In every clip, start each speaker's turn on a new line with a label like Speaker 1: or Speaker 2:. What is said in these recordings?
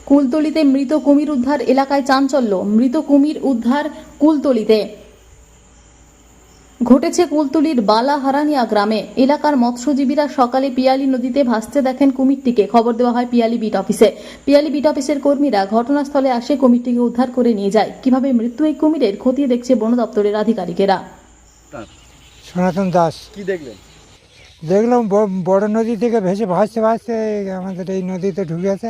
Speaker 1: কুলতলিতে মৃত কুমির উদ্ধার, এলাকায় চাঞ্চল্য। মৃত কুমির উদ্ধার কুলতলিতে। ঘটেছে কুলতলির বালাহারানিয়া গ্রামে। এলাকার মৎস্যজীবীরা সকালে পিয়ালি নদীতে ভাসতে দেখেন কুমিরটিকে। খবর দেওয়া হয় পিয়ালি বিট অফিসে। পিয়ালি বিট অফিসের কর্মীরা ঘটনাস্থলে আসে কুমিরটিকে উদ্ধার করে নিয়ে যায়। কিভাবে মৃত্যু এই কুমিরের খতিয়ে দেখছে বন দপ্তরের আধিকারিকেরা।
Speaker 2: সনাতন দাস।
Speaker 3: কি দেখলেন?
Speaker 2: দেখলাম বড় নদী থেকে ভেসে ভাসতে ভাসতে আমাদের এই নদীতে ঢুকেছে।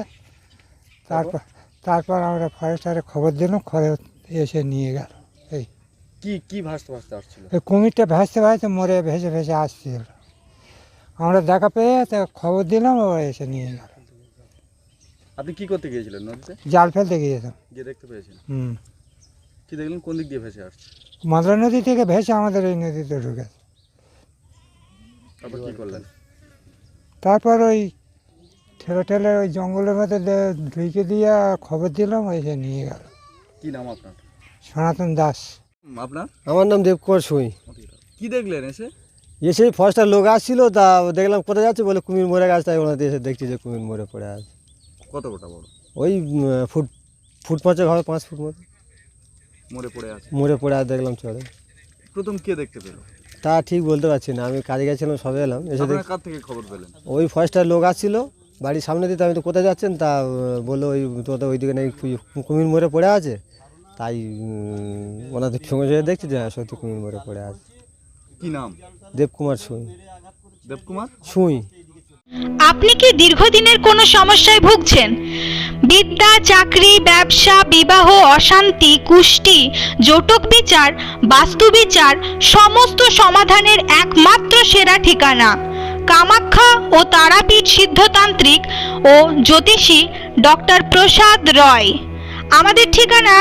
Speaker 2: তারপর আমরা ফরেস্টারে খবর দিলাম, খবর এসে নিয়ে গেল। এই
Speaker 3: কি ভাসতে ভাসতে আসছিল?
Speaker 2: এই কুমিরটা ভাসতে ভাসতে মরে ভেসে ভেসে আসছিল। আমরা দেখা পেয়ে তা খবর দিলাম, ও এসে নিয়ে গেল।
Speaker 3: আপনি কি করতে গিয়েছিলেন নদীতে?
Speaker 2: জাল ফেলতে গিয়েছিলাম।
Speaker 3: গিয়ে দেখতে পেয়েছেন?
Speaker 2: হুম।
Speaker 3: কি দেখলেন? কোন দিক দিয়ে ভেসে আসছে?
Speaker 2: মাদরা নদী থেকে ভেসে আমাদের এই নদীতে ঢুকেছে।
Speaker 3: তারপর কি করলেন?
Speaker 2: তারপর ওই ঠেলে ওই জঙ্গলের মধ্যে ঢুকে দিয়ে খবর দিলাম, ও এসে নিয়ে গেল।
Speaker 3: কি নাম আপনার?
Speaker 2: সনাতন দাস।
Speaker 3: আপনার?
Speaker 4: আমার নাম দেবকুমার সুই।
Speaker 3: কি দেখলেন এসে?
Speaker 4: এসে ফরেস্টার লোক আসছিল, তা দেখলাম কোথায় যাচ্ছে, বলে কুমির মরে গেছে। তাই ওনাদের এসে দেখছি যে কুমির মরে পড়ে আছে।
Speaker 3: কতটা বড়?
Speaker 4: ওই ফুট পাঁচেক হবে, 5 ফুট মতো
Speaker 3: মরে পড়ে আছে।
Speaker 4: মরে পড়ে আছে দেখলাম চড়ে।
Speaker 3: প্রথম কে দেখতে পেল?
Speaker 4: তা ঠিক বলতে পারছি না, আমি কাজে গেছিলাম, সবে এলাম। এসে
Speaker 3: আপনারা কার থেকে খবর পেলেন?
Speaker 4: ওই ফরেস্টার লোক আসছিল বাড়ির সামনে দিতে। আমি তো কোথায় যাচ্ছেন, তা বললো ওই তো ওইদিকে নাকি কুমির মরে পড়ে আছে। তাই ওনাদের সঙ্গে সঙ্গে দেখছি যে সত্যি কুমির মরে পড়ে আছে।
Speaker 3: কি নাম?
Speaker 4: দেবকুমার সুই।
Speaker 3: দেবকুমার
Speaker 4: সুই।
Speaker 5: আপনি কি দীর্ঘদিনের কোনো সমস্যায় ভুগছেন? বিদ্যা, চাকরি, ব্যবসা, বিবাহ, অশান্তি, কুষ্টি, জটক বিচার, বাস্তু বিচার, সমস্ত সমাধানের একমাত্র সেরা ঠিকানা কামাখ্যা ও তারাপীঠ সিদ্ধতান্ত্রিক ও জ্যোতিষী ডক্টর প্রসাদ রয়। আমাদের ঠিকানা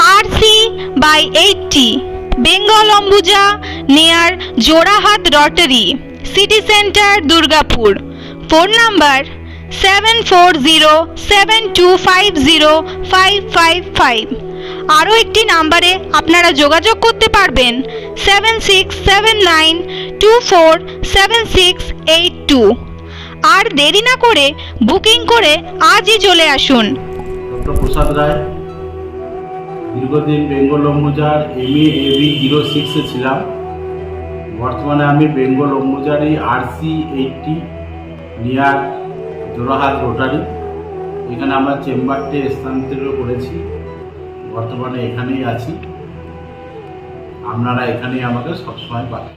Speaker 5: RC/80 Bengal Ambuja near Jorahat rotary, city centre, Durgapur. Phone number 7407250555। আরও একটি নাম্বারে আপনারা যোগাযোগ করতে পারবেন 7679247682। আর দেরি না করে বুকিং করে আজই চলে আসুন।
Speaker 6: ডক্টর প্রসাদ রায়, দীর্ঘদিন বেঙ্গল অম্বুজার MA/AB 06-এ ছিলাম। বর্তমানে আমি বেঙ্গল অম্বুজারি RC/80 নিয়ার জোড়াহাট রোটারি, এখানে আমরা চেম্বারটি স্থানান্তরিত করেছি। বর্তমানে এখানেই আছি। আপনারা এখানেই আমাকে সবসময় পাবেন।